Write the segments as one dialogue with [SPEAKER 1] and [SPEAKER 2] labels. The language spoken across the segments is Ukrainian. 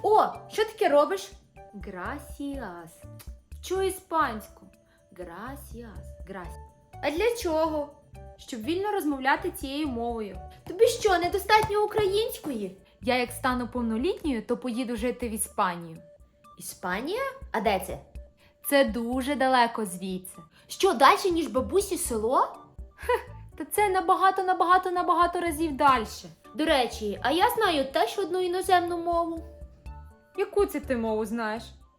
[SPEAKER 1] О, що таке робиш? Gracias. Вчу іспанську. Gracias. А для чого? Щоб вільно розмовляти цією мовою. Тобі що, недостатньо української? Я як стану повнолітньою, то поїду жити в Іспанію. Іспанія? А де це? Це дуже далеко звідси. Що, далі, ніж бабусі село? Та це набагато разів далі. До речі, а я знаю теж одну іноземну мову. Яку це ти мову знаєш?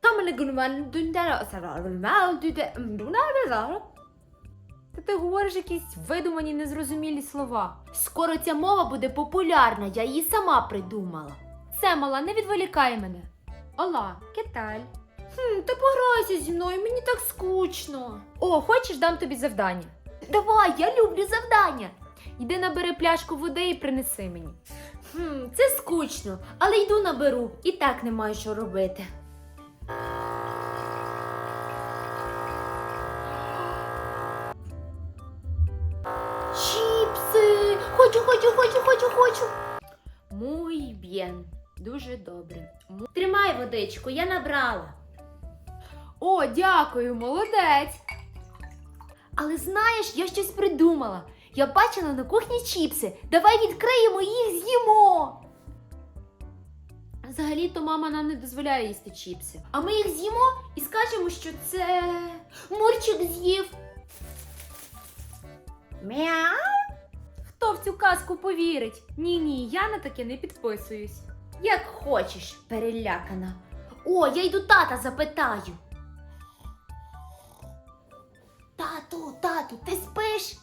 [SPEAKER 1] Та ти говориш якісь видумані незрозумілі слова. Скоро ця мова буде популярна, я її сама придумала. Все, мала, не відволікай мене. Ола, кеталь? Та пограйся зі мною, мені так скучно. О, хочеш, дам тобі завдання? Давай, я люблю завдання. Йди набери пляшку води і принеси мені. Це скучно, але йду наберу, і так не маю що робити. Чіпси! Хочу! Muy bien. Дуже добре. Тримай водичку, я набрала. О, дякую, молодець. Але знаєш, я щось придумала. Я бачила на кухні чіпси. Давай відкриємо і їх з'їмо. Взагалі-то мама нам не дозволяє їсти чіпси. А ми їх з'їмо і скажемо, що це Мурчик з'їв. Мяу. Хто в цю казку повірить? Ні, я на таке не підписуюсь. Як хочеш, перелякана. О, я йду тата запитаю. Тату, ти спиш?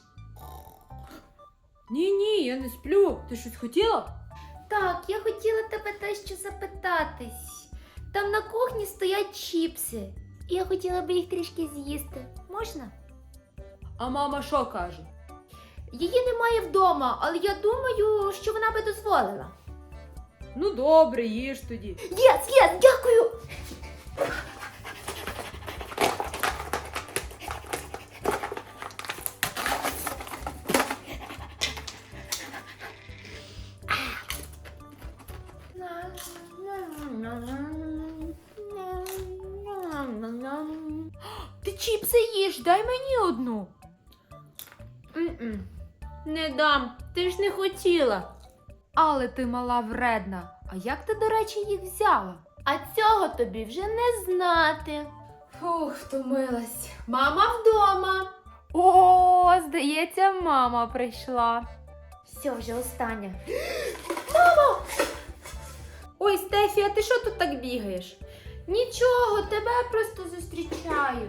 [SPEAKER 1] Ні, я не сплю. Ти щось хотіла? Так, я хотіла тебе дещо запитатись. Там на кухні стоять чіпси. І я хотіла би їх трішки з'їсти. Можна? А мама що каже? Її немає вдома, але я думаю, що вона би дозволила. Ну добре, їж тоді. Єс, дякую! Ти чіпси їж, дай мені одну. Не дам, ти ж не хотіла. Але ти мала вредна. А як ти, до речі, їх взяла? А цього тобі вже не знати. Фух, втомилась. Мама вдома. О, здається, мама прийшла. Все, вже остання. Мамо! Ой, Стефі, а ти що тут так бігаєш? Нічого, тебе просто зустрічаю.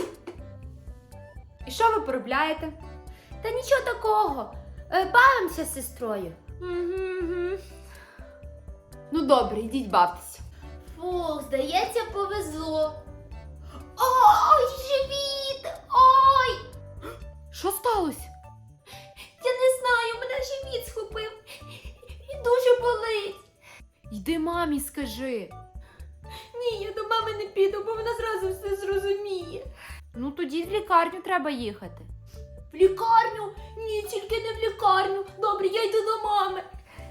[SPEAKER 1] І що ви поробляєте? Та нічого такого. Бавимося з сестрою. Угу. Ну добре, йдіть бавтеся. Фух, здається, повезло. Ой, живіт! Ой! Що сталося? Я не знаю, мене живіт схопив. І дуже болить. Йди мамі, скажи. Ні, я до мами не піду, бо вона зразу все зрозуміє. Ну тоді в лікарню треба їхати. В лікарню? Ні, тільки не в лікарню. Добре, я йду до мами.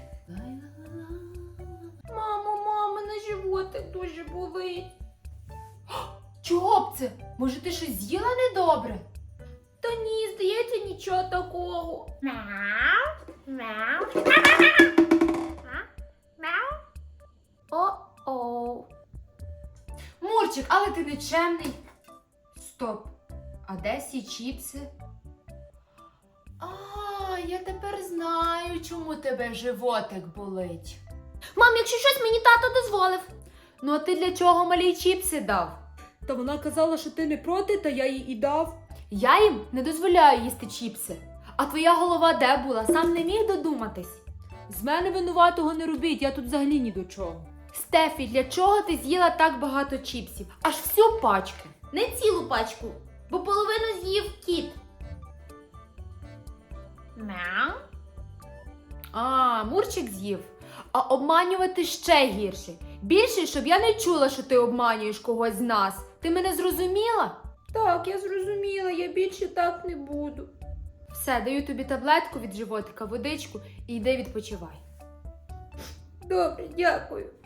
[SPEAKER 1] Мамо, мене животик дуже болить. Чого б це? Може, ти щось з'їла недобре? Та ні, здається, нічого такого. О-о. Мурчик, але ти нечемний. Стоп. А де всі чіпси? Я тепер знаю, чому тебе животик болить. Мам, якщо щось, мені тато дозволив. Ну а ти для чого малій чіпси дав?
[SPEAKER 2] Та вона казала, що ти не проти, та я їй і дав.
[SPEAKER 1] Я їм не дозволяю їсти чіпси. А твоя голова де була? Сам не міг додуматись?
[SPEAKER 2] З мене винуватого не робіть, я тут взагалі ні до чого.
[SPEAKER 1] Стефі, для чого ти з'їла так багато чіпсів? Аж всю пачку. Не цілу пачку, бо половину з'їв кіт. Мяу. Мурчик з'їв. А обманювати ще гірше. Більше, щоб я не чула, що ти обманюєш когось з нас. Ти мене зрозуміла?
[SPEAKER 2] Так, я зрозуміла, я більше так не буду.
[SPEAKER 1] Все, даю тобі таблетку від животика, водичку і йди відпочивай.
[SPEAKER 2] Добре, дякую.